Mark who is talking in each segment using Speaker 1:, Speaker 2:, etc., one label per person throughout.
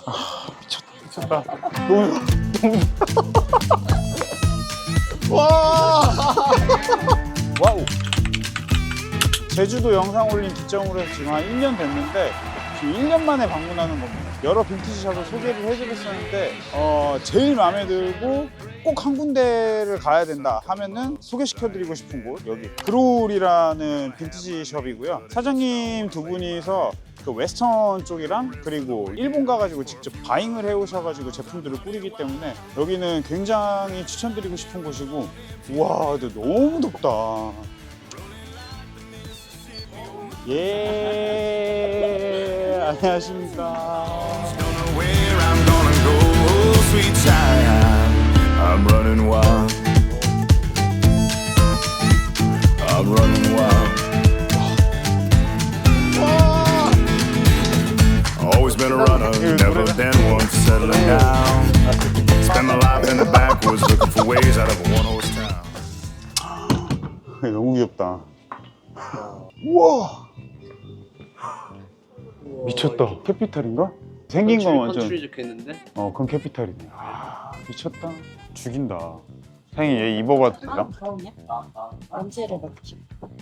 Speaker 1: 미쳤다. 너무 와. 와우. 제주도 영상 올린 기점으로 해서 지금 한 1년 됐는데 지금 1년 만에 방문하는 겁니다. 여러 빈티지 샵을 소개를 해드렸었는데 제일 마음에 들고 꼭 한 군데를 가야 된다 하면은 소개시켜드리고 싶은 곳 여기 그롤이라는 빈티지 샵이고요. 사장님 두 분이서 그 웨스턴 쪽이랑 그리고 일본 가가지고 직접 바잉을 해오셔가지고 제품들을 꾸리기 때문에 여기는 굉장히 추천드리고 싶은 곳이고 우와 근데 너무 덥다. 예 안녕하십니까.
Speaker 2: I'm running wild. I'm running wild. Always been a runner, never been one for settling down. Spend my life in the backwoods looking for ways out of a one-horse town.
Speaker 1: 너무 귀엽다. 우와 미쳤다. 캐피탈인가? 생긴 건 완전
Speaker 3: 컨트리 적혀있는데?
Speaker 1: 그건 캐피탈이네. 아 미쳤다. 죽인다. 사장님 얘 입어봐도 되나?
Speaker 4: 그럼요. 언제를 먹지?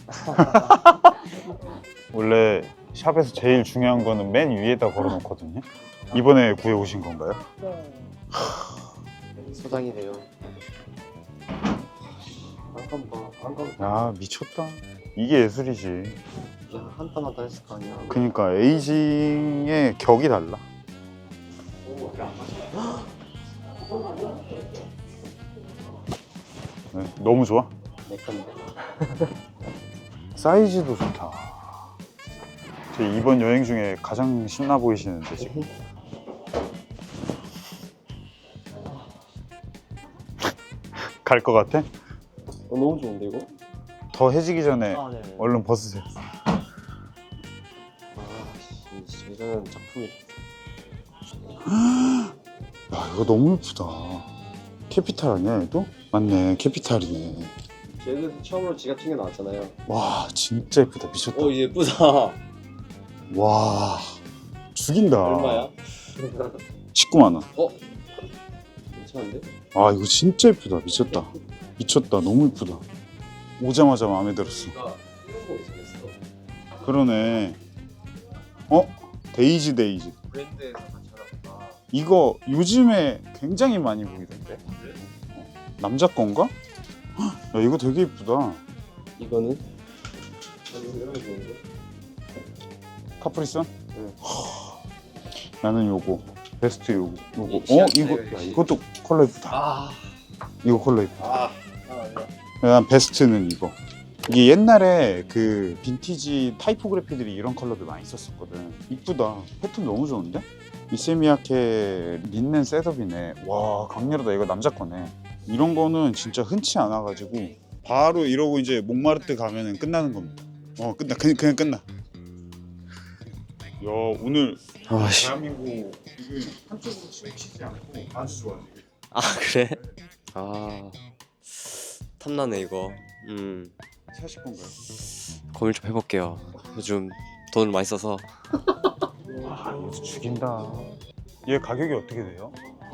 Speaker 1: 원래 샵에서 제일 중요한 거는 맨 위에다 걸어놓거든요. 이번에 구해오신 건가요?
Speaker 4: 네.
Speaker 3: 소장이래요. 한칸
Speaker 1: 야 미쳤다. 이게 예술이지.
Speaker 3: 한 땀 한 땀 했을 거 아니야.
Speaker 1: 그니까 에이징의 격이 달라. 네, 너무 좋아.
Speaker 3: 내 건데.
Speaker 1: 사이즈도 좋다. 제 이번 여행 중에 가장 신나 보이시는데 지금. 갈 것 같아?
Speaker 3: 너무 좋은데 이거?
Speaker 1: 더 해지기 전에
Speaker 3: 네.
Speaker 1: 얼른 벗으세요.
Speaker 3: 이거는 작품이.
Speaker 1: 야 이거 너무 예쁘다. 캐피탈 아니야 얘도? 맞네 캐피탈이네.
Speaker 3: 제주에서 처음으로 지갑 챙겨 나왔잖아요.
Speaker 1: 와 진짜 예쁘다. 미쳤다.
Speaker 3: 예쁘다.
Speaker 1: 와 죽인다.
Speaker 3: 얼마야?
Speaker 1: 19만 원.
Speaker 3: 괜찮은데?
Speaker 1: 아 이거 진짜 예쁘다. 미쳤다. 미쳤다. 너무 예쁘다. 오자마자 마음에 들었어.
Speaker 3: 이거 이런 거 있었어.
Speaker 1: 그러네. 데이지
Speaker 3: 브랜드에서 같이 하나 봐.
Speaker 1: 이거 요즘에 굉장히 많이 보이던데. 남자 건가? 헉, 야 이거 되게 예쁘다.
Speaker 3: 이거는? 이런 거 좋은데?
Speaker 1: 카프리선?
Speaker 3: 응.
Speaker 1: 나는 요거 베스트 요거.
Speaker 3: 이
Speaker 1: 이거
Speaker 3: 취향이네요,
Speaker 1: 야,
Speaker 3: 역시.
Speaker 1: 이것도 컬러 예쁘다. 이거 컬러 예쁘다.
Speaker 3: 아니야.
Speaker 1: 난 베스트는 이거. 이게 옛날에 그 빈티지 타이포그래피들이 이런 컬러들 많이 썼었거든. 이쁘다. 패턴 너무 좋은데? 이세미야케 린넨 셋업이네. 와 강렬하다. 이거 남자 거네. 이런 거는 진짜 흔치 않아가지고 바로 이러고 이제 몽마르트 가면은 끝나는 겁니다. 끝나. 그냥 끝나. 야 오늘 대한민국 이거 한쪽으로 치우치지 않고 아주 좋아.
Speaker 5: 아 그래? 탐나네 이거.
Speaker 1: 사실 건가요?
Speaker 5: 고민 좀 해볼게요. 요즘 돈을 많이 써서.
Speaker 1: 와 이거 죽인다. 얘 가격이 어떻게 돼요?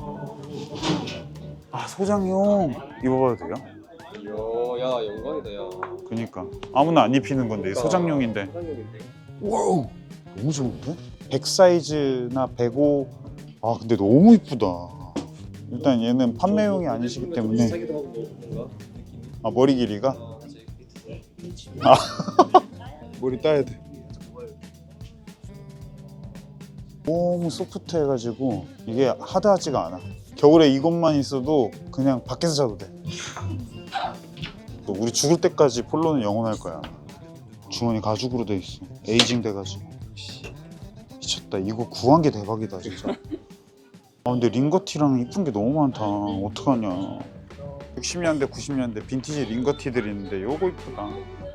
Speaker 1: 소장용 입어봐도 돼요?
Speaker 3: 야 영광이다 야.
Speaker 1: 그니까 아무나 안 입히는 건데 소장용인데.
Speaker 3: 소장용인데.
Speaker 1: 와우 너무 좋은데? 100 사이즈나 105. 근데 너무 이쁘다. 일단 얘는 판매용이 아니시기 때문에.
Speaker 3: 비슷하기도 하고 뭔가 느낌이.
Speaker 1: 머리 길이가? 머리 따야 돼. 너무 소프트해가지고 이게 하드하지가 않아. 겨울에 이것만 있어도 그냥 밖에서 자도 돼. 또 우리 죽을 때까지 폴로는 영원할 거야. 주머니 가죽으로 돼 있어. 에이징 돼가지고. 미쳤다. 이거 구한 게 대박이다 진짜. 근데 링거티랑 이쁜 게 너무 많다. 어떡하냐. 60년대 90년대 빈티지 링거티들이 있는데 요거 이쁘다.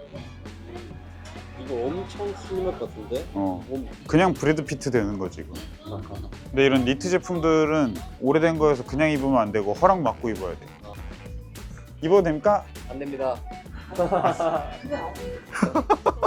Speaker 3: 이거 엄청 슬림할 것 같은데?
Speaker 1: 그냥 브래드 피트 되는 거지 이거. 근데 이런 니트 제품들은 오래된 거여서 그냥 입으면 안 되고 허락 받고 입어야 돼. 입어도 됩니까?
Speaker 3: 안 됩니다.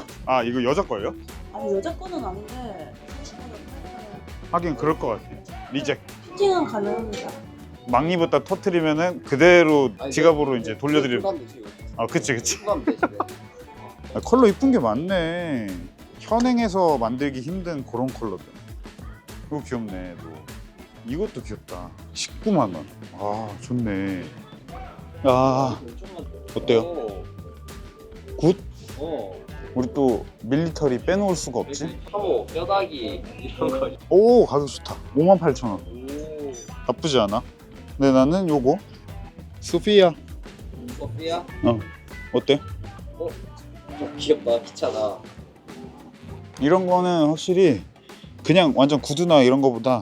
Speaker 1: 이거 여자 거예요?
Speaker 4: 아니 여자 거는 아닌데.
Speaker 1: 하긴 그럴 것 같아. 리젝.
Speaker 4: 피팅은 가능합니다.
Speaker 1: 막 입었다 터트리면은 그대로
Speaker 3: 아니,
Speaker 1: 지갑으로 이제 돌려드리면.
Speaker 3: 수납 되지, 이거.
Speaker 1: 아, 그치.
Speaker 3: 수납 되지. 네.
Speaker 1: 아, 컬러 이쁜 게 많네. 현행에서 만들기 힘든 그런 컬러들. 이거 귀엽네. 또. 이것도 귀엽다. 19만 원. 아, 좋네. 아, 어때요?
Speaker 3: 오.
Speaker 1: 굿?
Speaker 3: 어.
Speaker 1: 우리 또 밀리터리 빼놓을 수가 없지?
Speaker 3: 카모, 뼈다귀 이런 거.
Speaker 1: 오, 가격 좋다. 58,000원.
Speaker 3: 오.
Speaker 1: 나쁘지 않아. 근데 나는 요거 소피아.
Speaker 3: 소피아?
Speaker 1: 어때?
Speaker 3: 좀 귀엽다. 귀찮아.
Speaker 1: 이런 거는 확실히 그냥 완전 구두나 이런 거보다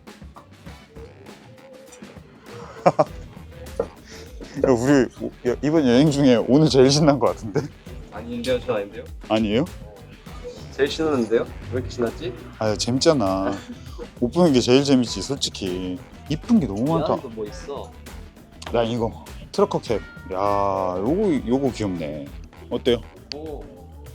Speaker 1: 야, 우리 이번 여행 중에 오늘 제일 신난 거 같은데?
Speaker 3: 아닌데요? 저 아닌데요?
Speaker 1: 아니에요?
Speaker 3: 제일 신났는데요? 왜 이렇게 신났지?
Speaker 1: 아, 재밌잖아. 옷 보는 게 제일 재밌지, 솔직히. 이쁜 게 너무 많다.
Speaker 3: 미안도 뭐 있어?
Speaker 1: 나 이거 트러커 캡. 야, 요거 귀엽네. 어때요?
Speaker 3: 오.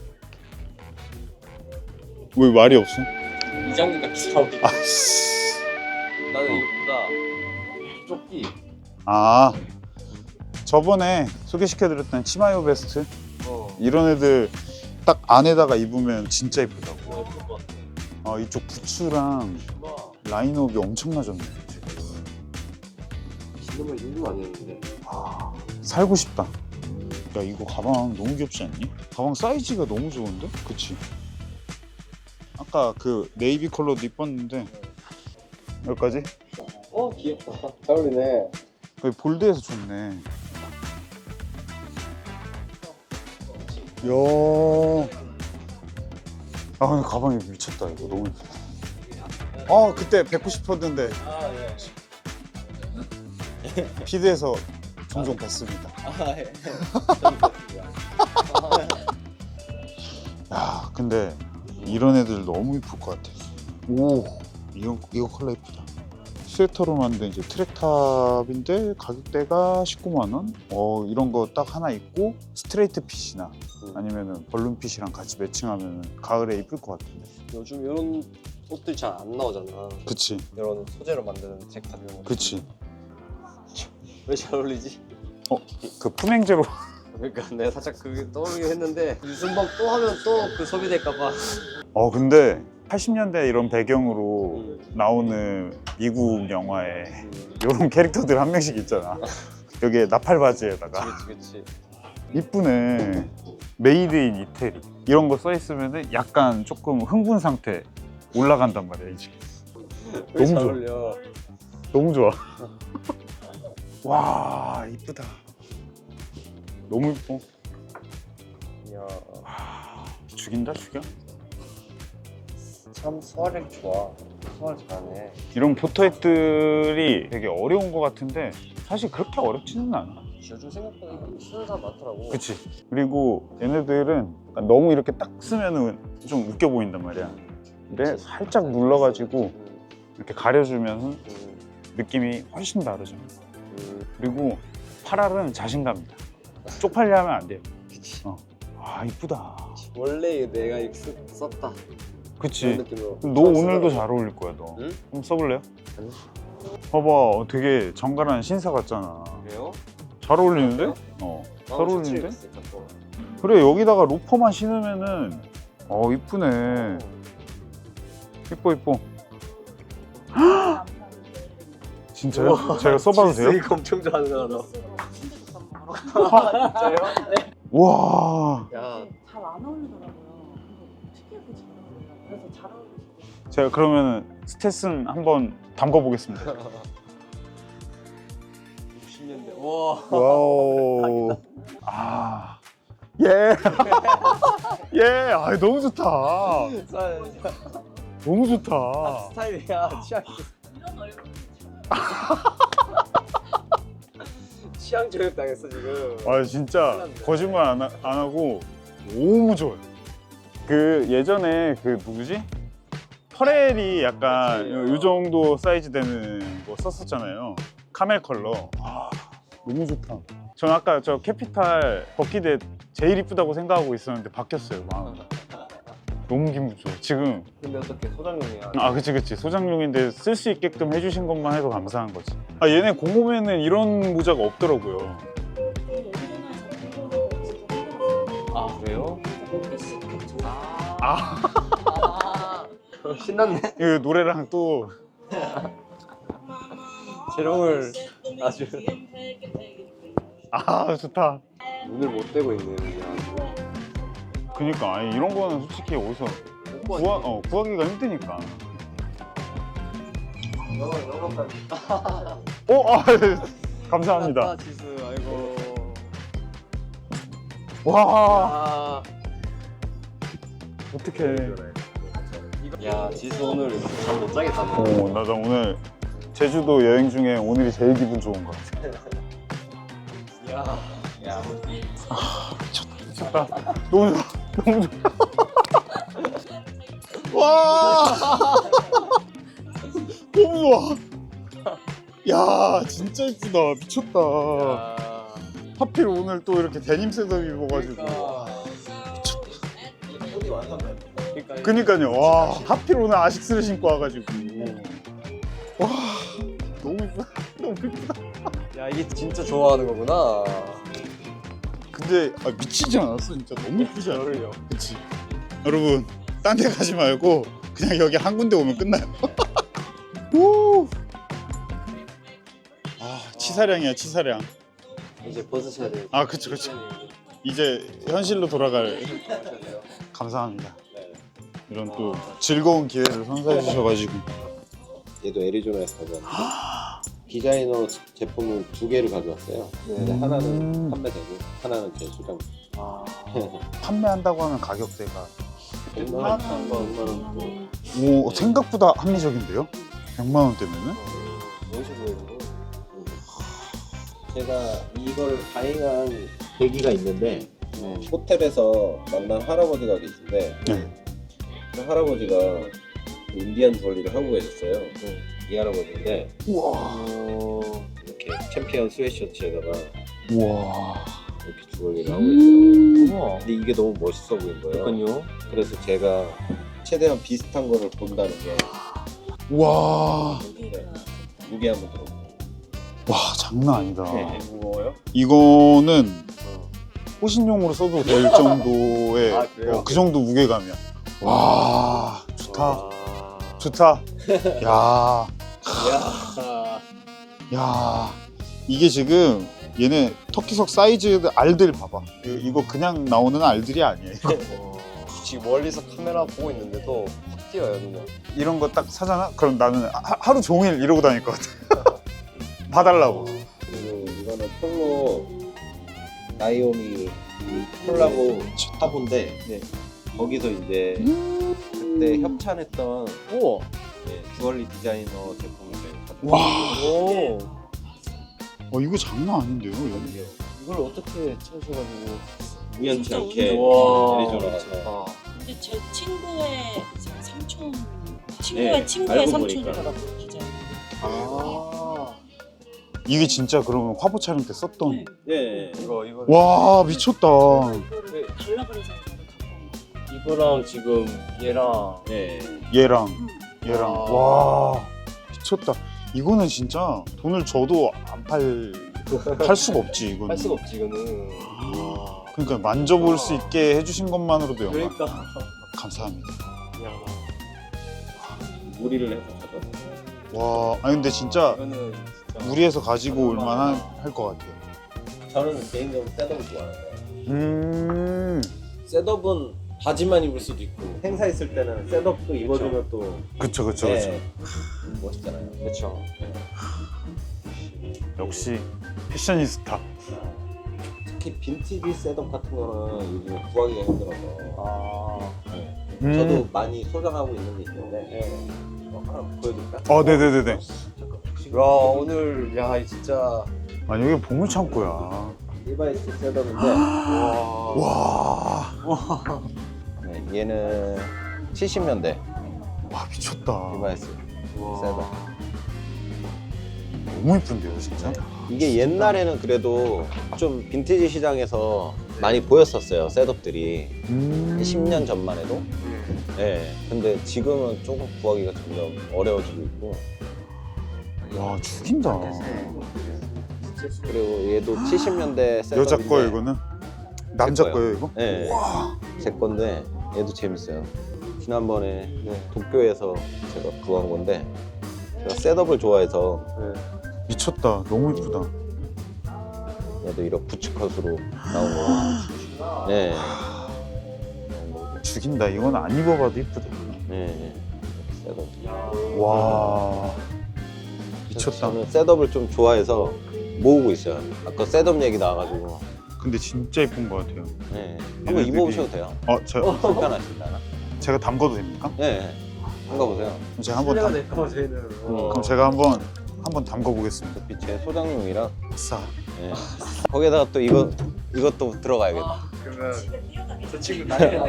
Speaker 1: 왜 말이 없어?
Speaker 3: 이장님 같이 나오기.
Speaker 1: 아씨.
Speaker 3: 나는 이거보다 조끼.
Speaker 1: 아, 저번에 소개시켜드렸던 치마요 베스트 이런 애들 딱 안에다가 입으면 진짜 이쁘다고.
Speaker 3: 예쁠 것 같아.
Speaker 1: 아, 이쪽 부츠랑 라인업이 엄청나졌네 지금.
Speaker 3: 지금은 요즘 아니었는데.
Speaker 1: 아, 살고 싶다. 야, 이거 가방 너무 귀엽지 않니? 가방 사이즈가 너무 좋은데? 그치? 아까 그 네이비 컬러도 이뻤는데 여기까지?
Speaker 3: 귀엽다. 잘 어울리네.
Speaker 1: 거의 볼드해서 좋네. 이야. 아, 근데 가방이 미쳤다. 이거 너무 예쁘다. 아, 그때 뵙고 싶었는데
Speaker 3: 아, 예.
Speaker 1: 피드에서 종종 뵀습니다.
Speaker 3: 아, 예.
Speaker 1: 야, 근데 이런 애들 너무 이쁠 것 같아. 오, 이거 컬러 이쁘다. 스웨터로 만든 이제 트랙탑인데 가격대가 19만 원. 이런 거 딱 하나 있고 스트레이트 핏이나 아니면은 벌룬 핏이랑 같이 매칭하면 가을에 이쁠 것 같은데.
Speaker 3: 요즘 이런 옷들 잘 안 나오잖아.
Speaker 1: 그치,
Speaker 3: 이런 소재로 만드는 잭탑 이런 거.
Speaker 1: 그치.
Speaker 3: 왜 잘 어울리지?
Speaker 1: 그 품행제로.
Speaker 3: 그러니까 내가 살짝 그게 떠오르긴 했는데 유순범 또 하면 또 그 소비될까봐.
Speaker 1: 근데 80년대 이런 배경으로 나오는 미국 영화에 이런 캐릭터들 한 명씩 있잖아. 여기에 나팔 바지에다가
Speaker 3: 그치.
Speaker 1: 이쁘네. 메이드 인 이태리 이런 거 써 있으면은 약간 조금 흥분 상태 올라간단 말이야 이제.
Speaker 3: 왜 잘
Speaker 1: 너무 좋아.
Speaker 3: 어울려.
Speaker 1: 너무 좋아. 와, 이쁘다. 너무 이뻐.
Speaker 3: 이야,
Speaker 1: 죽인다, 죽여.
Speaker 3: 참 소화력 좋아. 소화 잘하네.
Speaker 1: 이런 포터헤드들이 되게 어려운 것 같은데 사실 그렇게 어렵지는 않아.
Speaker 3: 요즘 생각보다 쓰는 사람 많더라고.
Speaker 1: 그치. 그리고 얘네들은 약간 너무 이렇게 딱 쓰면은 좀 웃겨 보인단 말이야. 근데 살짝 눌러가지고 이렇게 가려주면 느낌이 훨씬 다르죠. 그리고 팔알은 자신감이다. 쪽팔려 하면 안 돼요.
Speaker 3: 그치.
Speaker 1: 아, 이쁘다.
Speaker 3: 원래 내가 이렇게 썼다.
Speaker 1: 그치.
Speaker 3: 그런 느낌으로.
Speaker 1: 너 오늘도 잘 어울릴 거야, 너.
Speaker 3: 응?
Speaker 1: 한번 써볼래요?
Speaker 3: 아니.
Speaker 1: 봐봐, 되게 정갈한 신사 같잖아.
Speaker 3: 그래요?
Speaker 1: 잘 어울리는데? 잘 어울리는데? 그래, 여기다가 로퍼만 신으면은 이쁘네. 이뻐, 이뻐. 진짜요? 제가 써봐도 돼요?
Speaker 3: 이거 엄청 좋아하는 너.
Speaker 4: 진짜요? 네.
Speaker 1: 와.
Speaker 3: 야,
Speaker 4: 잘 안 어울리더라고요. 근데 특이하게 잘 어울려요. 그래서 잘 어울리시고.
Speaker 1: 제가 그러면 스탯은 한번 담궈보겠습니다.
Speaker 3: 60년대. 와.
Speaker 1: 와우. 아. 예. 예. 아, 너무 좋다. 너무 좋다.
Speaker 3: 스타일이야. 취향.
Speaker 4: 이런 얼굴
Speaker 3: 취향 저격 당했어 지금.
Speaker 1: 아, 진짜 거짓말 안 하고 너무 좋아요. 그 예전에 그 누구지? 퍼렐이 약간 이 정도 사이즈 되는 거 썼었잖아요. 카멜 컬러. 아, 너무 좋다. 전 아까 저 캐피탈 버킷에 제일 이쁘다고 생각하고 있었는데 바뀌었어요, 마음. 너무 기분 좋아. 지금
Speaker 3: 근데 어떻게 소장용이야?
Speaker 1: 아 그치 소장용인데 쓸 수 있게끔 해주신 것만 해도 감사한 거지. 아 얘네 공홈에는 이런 모자가 없더라고요.
Speaker 3: 아 그래요?
Speaker 1: 아
Speaker 3: 신났네.
Speaker 1: 이 노래랑 또
Speaker 3: 재롱을 아주
Speaker 1: 아 좋다.
Speaker 3: 눈을 못 떼고 있네요. 그냥.
Speaker 1: 그니까 아니, 이런 거는 솔직히 어디서 구하기가 힘드니까. 아, 감사합니다.
Speaker 3: 아, 지수, 아이고.
Speaker 1: 와
Speaker 3: 아,
Speaker 1: 어떡해.
Speaker 3: 야, 지수 오늘 잠 못 자겠다네.
Speaker 1: 나 오늘 제주도 여행 중에 오늘이 제일 기분 좋은 것 같아.
Speaker 3: 야,
Speaker 1: 미쳤다. 너무 좋아. 너무 좋아. 와 너무 좋아. 야 진짜 이쁘다. 미쳤다. 하필 오늘 또 이렇게 데님 셋업 입어가지고. 그니까요. 와 하필 오늘 아식스를 신고 와가지고. 와 너무 이쁘다. 너무 이쁘다.
Speaker 3: 야, 이게 진짜 좋아하는 거구나.
Speaker 1: 근데 미치지 않았어 진짜. 너무 이쁘지 않아?
Speaker 3: 열을요.
Speaker 1: 그치. 여러분 딴 데 가지 말고 그냥 여기 한 군데 오면 끝나요. 오. 아 치사량이야 치사량.
Speaker 3: 이제 벗으셔야 돼요.
Speaker 1: 아 그쵸. 이제 현실로 돌아갈. 감사합니다. 이런 또 즐거운 기회를 선사해 주셔가지고.
Speaker 6: 얘도 애리조나에서 가져왔는데 디자이너 제품을 2개를 가져왔어요. 근데 하나는 판매되고 하나는 제 소장.
Speaker 1: 판매한다고 하면 가격대가
Speaker 6: 100만 원, 100만 원 또.
Speaker 1: 오 생각보다 합리적인데요? 100만 원대면은?
Speaker 3: 어디서 구해요?
Speaker 6: 제가 이걸 가행한 계기가 있는데 호텔에서 만난 할아버지가 계신데
Speaker 1: 네.
Speaker 6: 그 할아버지가 그 인디안 주얼리를 하고 계셨어요. 이 할아버지인데
Speaker 1: 우와.
Speaker 6: 이렇게 챔피언 스웨트셔츠에다가
Speaker 1: 우와.
Speaker 6: 이렇게 주얼리를 하고 계시더라고요.
Speaker 3: 우와.
Speaker 6: 근데 이게 너무 멋있어 보인 거예요.
Speaker 3: 그러니까요.
Speaker 6: 그래서 제가 최대한 비슷한 거를 본다는 게
Speaker 1: 우와.
Speaker 6: 무게 한번 들어볼게요.
Speaker 1: 와 장난 아니다.
Speaker 3: 무거워요?
Speaker 1: 이거는 호신용으로 써도 될 정도의
Speaker 3: 아, 그래요?
Speaker 1: 그 정도 무게감이야. 와 좋다.
Speaker 3: 와.
Speaker 1: 좋다. 야.
Speaker 3: 야.
Speaker 1: 야. 이게 지금 얘네 터키석 사이즈 알들 봐봐. 이거 그냥 나오는 알들이 아니에요.
Speaker 3: 지금 멀리서 카메라 보고 있는데도 확 띄어요, 눈에.
Speaker 1: 이런 거 딱 사잖아? 그럼 나는 하루 종일 이러고 다닐 것 같아. 봐달라고.
Speaker 6: 그리고 이거는 폴로 나이오미 콜라보 화보인데 거기서 이제 그때 협찬했던
Speaker 3: 우와.
Speaker 6: 주얼리 디자이너 제품을 가지고
Speaker 1: 와.
Speaker 3: 오.
Speaker 1: 이거 장난 아닌데요? 여기.
Speaker 3: 이걸 어떻게 찾으셔가지고.
Speaker 6: 우연치
Speaker 4: 진짜
Speaker 6: 않게
Speaker 3: 우와.
Speaker 6: 애리조나가서
Speaker 4: 근데 제 친구의 삼촌, 친구의 친구의
Speaker 6: 알고
Speaker 4: 삼촌이더라고요, 기자.
Speaker 3: 아.
Speaker 1: 이게 진짜 그러면 화보 촬영 때 썼던.
Speaker 6: 네.
Speaker 3: 이거.
Speaker 1: 와 미쳤다.
Speaker 4: 이거를 달라 그래서 이거를 갖고 온 거예요.
Speaker 3: 이거랑 지금 얘랑.
Speaker 6: 네.
Speaker 1: 얘랑
Speaker 4: 응.
Speaker 1: 얘랑
Speaker 3: 아.
Speaker 1: 와 미쳤다. 이거는 진짜 돈을 줘도 안 팔 수가 없지 이거는.
Speaker 3: 할 수가 없지, 이거는. 와.
Speaker 1: 그러니까 만져볼 수 있게 해주신 것만으로도 영광.
Speaker 3: 그러니까.
Speaker 1: 감사합니다.
Speaker 3: 야.
Speaker 6: 무리를 해서 가져왔어요.
Speaker 1: 와 아니 근데 진짜
Speaker 3: 이거는 진짜.
Speaker 1: 무리해서 가지고 올만한 할 것 같아요.
Speaker 6: 저는 개인적으로 셋업을 좋아하는데 셋업은 바지만 입을 수도 있고 행사했을 때는 셋업도 입어주면 또
Speaker 1: 그쵸.
Speaker 6: 멋있잖아요.
Speaker 3: 그렇죠.
Speaker 1: 역시 패셔니스타.
Speaker 6: 특히 빈티지 셋업 같은 거는 요즘 구하기가 힘들어서
Speaker 3: 아.
Speaker 6: 저도 많이 소장하고 있는 게 있는데 하나 보여드릴까?
Speaker 1: 네네네네.
Speaker 3: 야, 오늘, 야, 진짜.
Speaker 1: 아니 여기 보물 창고야.
Speaker 6: 리바이스 셋업인데
Speaker 1: 와.
Speaker 6: 네, 얘는 70년대
Speaker 1: 와 미쳤다.
Speaker 6: 리바이스 셋업.
Speaker 1: 너무 이쁜데요 진짜.
Speaker 6: 이게 옛날에는 그래도 좀 빈티지 시장에서 많이 보였었어요. 셋업들이 10년 전만 해도. 네. 근데 지금은 조금 구하기가 점점 어려워지고 있고.
Speaker 1: 와 죽인다.
Speaker 6: 그리고 얘도 70년대 셋업인데.
Speaker 1: 여자 거예요 이거는? 남자
Speaker 6: 거예요.
Speaker 1: 거예요 이거?
Speaker 6: 네. 제 건데 얘도 재밌어요. 지난번에 도쿄에서 제가 구한 건데 제가 셋업을 좋아해서
Speaker 1: 미쳤다. 너무 이쁘다.
Speaker 6: 얘도 이런 부츠컷으로 나온 거. 네.
Speaker 1: 죽인다. 이건 안 입어봐도 이쁘다.
Speaker 6: 네. 셋업.
Speaker 1: 와 미쳤다.
Speaker 6: 저는 셋업을 좀 좋아해서 모으고 있어요. 아까 셋업 얘기 나와가지고.
Speaker 1: 근데 진짜 이쁜 것 같아요.
Speaker 6: 네. 한번 입어보셔도 돼요.
Speaker 1: 저
Speaker 6: 불편하신다나?
Speaker 1: 제가 담궈도 됩니까?
Speaker 6: 네. 한번 보세요.
Speaker 1: 그럼 제가 한번
Speaker 3: 될거 저희는.
Speaker 1: 그럼 제가 한번 담궈 보겠습니다.
Speaker 6: 제 소장용이랑.
Speaker 1: 싸.
Speaker 6: 네. 거기에다가 또 이것도 들어가야겠다.
Speaker 3: 그러면 저 친구 나이가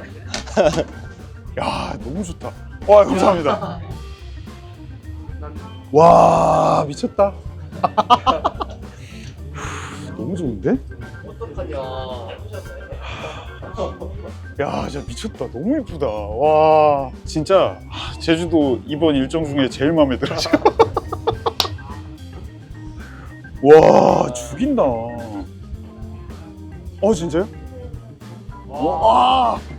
Speaker 1: 야 너무 좋다. 와 감사합니다. 와 미쳤다. 너무 좋은데?
Speaker 3: 어떡하냐.
Speaker 1: 야 진짜 미쳤다. 너무 이쁘다. 와 진짜 제주도 이번 일정 중에 제일 마음에 들어 지금. 와 죽인다. 진짜요? 와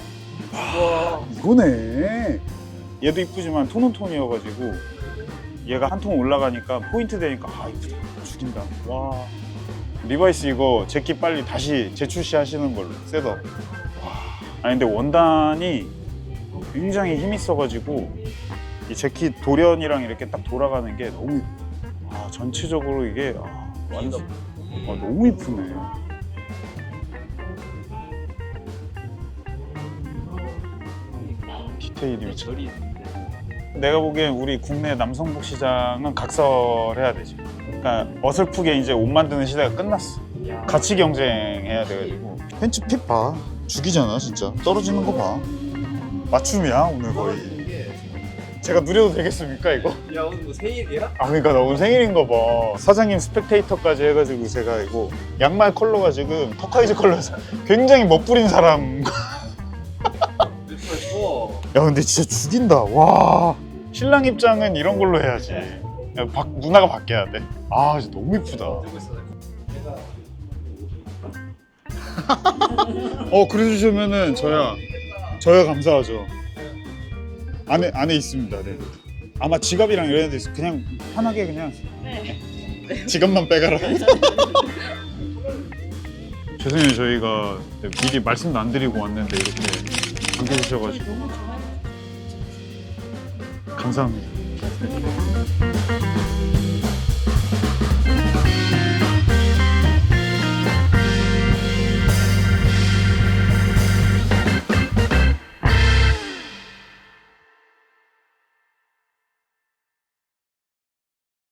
Speaker 1: 이거네. 얘도 이쁘지만 톤온톤이어가지고 얘가 한 톤 올라가니까 포인트 되니까 이쁘다. 죽인다. 와 리바이스 이거 제끼 빨리 다시 재출시 하시는 걸로 셋업. 아니 근데 원단이 굉장히 힘 있어가지고 이 재킷 돌연이랑 이렇게 딱 돌아가는 게 너무 전체적으로 이게 완전 너무 이쁘네. 디테일이 미쳤다. 내가 보기엔 우리 국내 남성복 시장은 각설해야 되지. 그러니까 어설프게 이제 옷 만드는 시대가 끝났어. 가치 경쟁해야 돼가지고. 팬츠 핏 봐. 죽이잖아 진짜. 떨어지는 거 봐. 맞춤이야 오늘 거의. 제가 누려도 되겠습니까 이거?
Speaker 3: 야 오늘 뭐 생일이야?
Speaker 1: 그러니까 나 오늘 생일인 거 봐. 사장님 스펙테이터까지 해가지고 제가 이거 양말 컬러가 지금 터카이즈 컬러여서 굉장히 멋부린 사람. 야 근데 진짜 죽인다. 와 신랑 입장은 이런 걸로 해야지. 야, 누나가 바뀌어야 돼. 진짜 너무 이쁘다. 그래 주시면은 저야 감사하죠. 안에 있습니다. 네. 아마 지갑이랑 이런 데 있어. 그냥 편하게 그냥 지갑만 빼가라. 죄송해요 저희가 미리 말씀도 안 드리고 왔는데 이렇게 반겨주셔가지고 감사합니다.